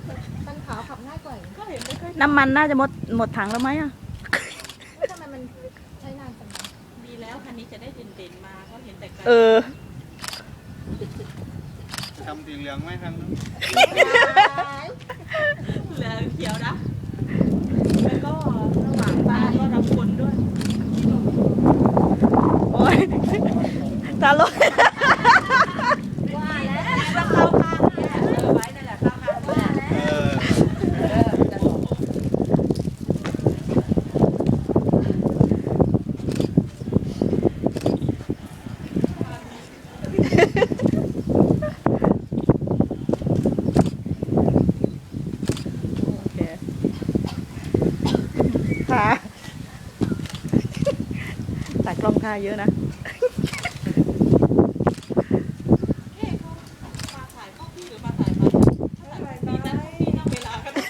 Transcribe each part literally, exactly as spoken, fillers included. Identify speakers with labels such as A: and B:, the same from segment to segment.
A: คันขาวขับง่ายกว่าก็เห็นไม่ค่อย
B: น้ำมันน่าจะหมดหมดถังแล้วไหมอ่ะ
A: ทำไมมันใช้นานจัง
C: ดีแล้วคันนี้จะได้เด่นๆมาก็เห็นแต่ไกล
B: เออ
D: ทำสีเหลืองไหมครับ
C: เหลือเขียวนะแล้วก็ระหว่างตาก็รับคนด้วย
B: โอ้ยตาลอย
A: ว่าแล้ว
C: ว่าเข้าข้างเนี่ยเออไว้นั่นแหละเข้าข้างว่าแล้ว
D: เออ
C: เออจะบอก
B: โอเคค่ะตัดกล้องท่าเยอะนะ
C: เฮ้เขามาถ่ายเข้าพี่หรือมาถ่ายมาถ่ายพี่นะพี่นั่งเวลาก็ได้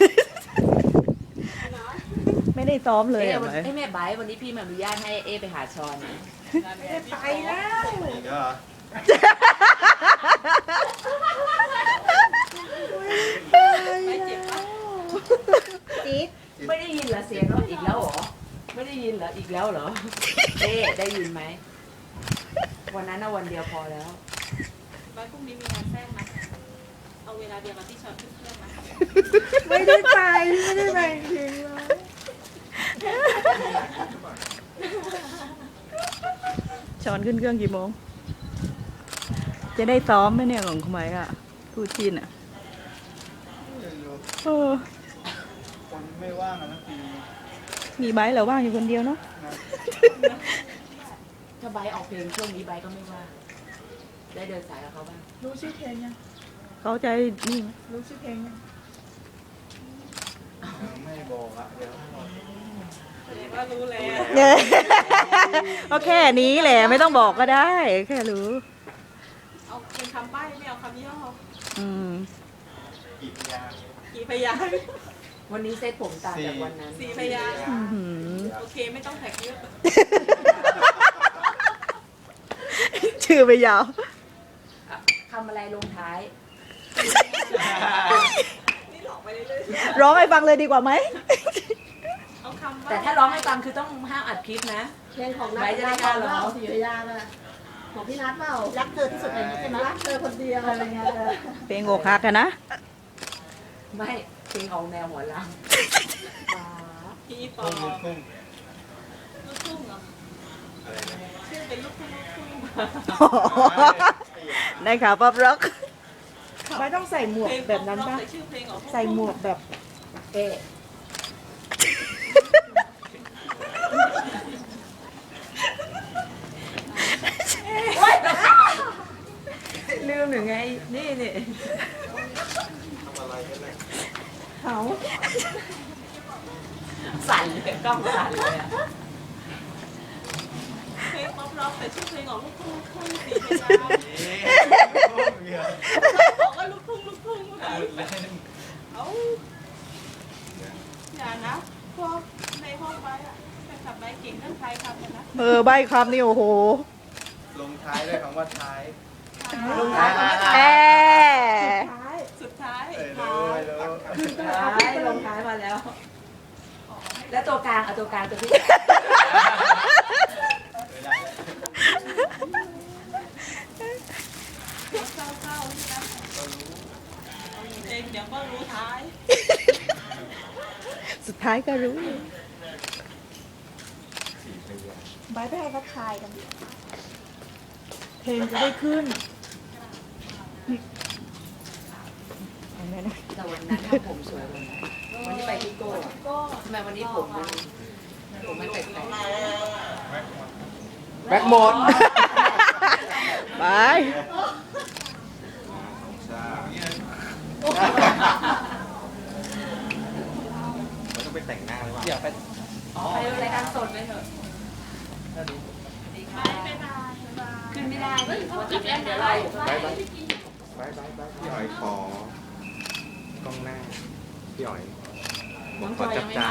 B: ไม่ได้ซ้อมเลย
E: เอ๊ะ
B: อ่ะ
E: วัน
B: ไหม
E: เอ้ยแม่ไบร์ทวันนี้พี่มาอนุญาตให้เอ๊ะไปหาชอนนะ
C: ไปแล้ว
D: อีกแล้วเหรอ
C: ไปเจ็บปะ
A: จี๊ด
E: ไม่ได้ยินเหรอเสียงเราอีกแล้วเหรอไม่ได้ยินเหรออีกแล้วเหรอเอ๊ะได้ยินไหมวันนั้นน่ะวันเดียวพอแล้ว
C: ไปพรุ่งนี้มีงานแท้งไหมเอาเวลาเดียวกับที่ชอนขึ้นเครื่องไหม
A: ไม่ได้ไปไม่ได้ไปจริงเลย
B: ช้อนขึ้นเครื่องกี่โมง จะได้ซ้อมไหมเนี่ยของคุณไหมอ่ะทูชินอ่ะ
D: ไม่รู้
B: เออ
D: คนไม่ว่างกันนะที
B: มีไบร์ทเหรอว่างอยู่คนเดียวเนาะ
E: ถ้าไบร์ทออกเพลงช่วงนี้ไบร์ทก็ไม่ว่าได้เดินสายกับเขาบ้าง
A: รู้ชื่อเพลงยัง
B: เขาใจนี่
A: รู้ชื่อเพลงยัง
D: ยังไม่บอกอะเดี๋ยวให้บอก
C: ว่ารู้แล้ว
B: เนี่ยก็แค่นี้แหละไม่ต้องบอกก็ได้ แค่รู้
C: เอาเป็นคำใบ้ไม่เอาคำย่อ
B: อืม
D: อีกอย่าง
C: กี่พยางค์
E: วันนี้เซตผมต่างจากวันนั้น
C: สี่พยางค์
B: อื้อหือ
C: โอเคไม่ต้องแท็กเยอะ
B: ชื่อไปยาว
E: ทำอะไรลงท้าย
C: นี่หลอกไปเรื่อย
B: ร้องให้ฟังเลยดีกว่าไหม
C: ๆเอาคำ
E: แต่ถ้าร้องให้ฟังคือต้องห้ามอัดคลิปนะ
A: เพลงของนั
E: ไว้
A: ท
E: จะได้กล้าร้อง
A: ศรีอยุธยาน่ะของพี่นัทเปล่ารักเธอที่สุดในนี้ใช่ไหมรักเธอคนเดียวอะไรเงี้ยเออ
B: เพลงอกหักกันนะ
E: ไม่เพลงออกแนวหัวล
C: พี่ปอ
D: ทุ่งลูกทุ่ง
C: ลูกทุ่งเหรอ
D: อะไรนะ
C: ชื่อเป็นลูกทุ่งลูกทุ่ง
B: ได้ข่าวป๊อปร็อก
A: ไม่ต้องใส่หมวกแบบนั้นป่ะ
C: ใส่ชื่อเพลงออก
A: ใส่หมวกแบบ
E: ำเอ๊ะ
A: ลืมหรือไง นี่นี่
D: ทำอะไรกันเนี่ย
A: เขา
E: สั่นเลยกล้องสั่นเลยอะ
C: เพลงป๊อปร็อกแต่ชื่อเพลงออกลูกทุ่งลูกทุ่งสีพยางค์
D: เดี๋ยว
C: บอกว่าลูกทุ่งลูกทุ่งค่ะ
D: พูดเล่น
C: เอาอย่านะพวกในห้องไปอ่ะแฟนคลับไปเก่งเรื่องไทยคำกันนะ
B: เออใบคำนี่โอ้โห
D: ลงท้ายด้วยคำว่าท้าย
A: ลงท้ายคำว่า
B: แอ
A: ท้าย
C: สุดท้าย
D: เออรู้ไม่รู้
A: คือต้องเอา
E: ท้าย
A: ไป
E: ล
A: ล
E: ง
A: ง
E: ท้ายมาแล้ว แล้วตัวกลางเอาตัวกลางตัวที่
D: ไม่ได้
C: เศร้าๆนี่นะเองเดี๋ยวก็รู้ท้าย
B: สุดท้ายก็รู้
A: บายไปให้เขาทายกัน เพลงจะได้ขึ้น
E: แต่วันนั้นทำผมสวยกว่านั้นวันนี้ไปที่โก้อะทำไมวันนี้ผมมันผมไม่แปลก
D: แบ็คหมด
B: ไป
D: เราต้องไปแต่งหน้าหรือเปล่าอยากไป
E: ๆอ๋อไปรายการสดไปเถอะ
C: ไม่เป็นไร
E: ขึ้นไม่ได้นี่พอจุดแรกเดี๋ยวเรา
D: ไปไปไปไปไปพี่อ๋อยขอกล้องหน้าพี่อ๋อย
E: น้องจอยยังไม่มา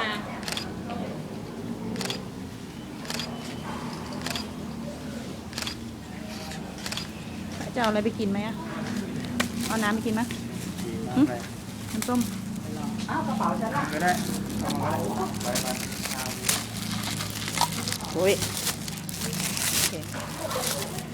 B: จะเอาอะไรไปกินไหมอ่ะ เอาน้ำไปกินไหม
D: ดีมากเลย
B: น้ำส้ม
E: อ้าวกระเป๋าฉันล่ะ
D: ก็ได้เอามาไปไปเอา
B: โอ้ยโอเค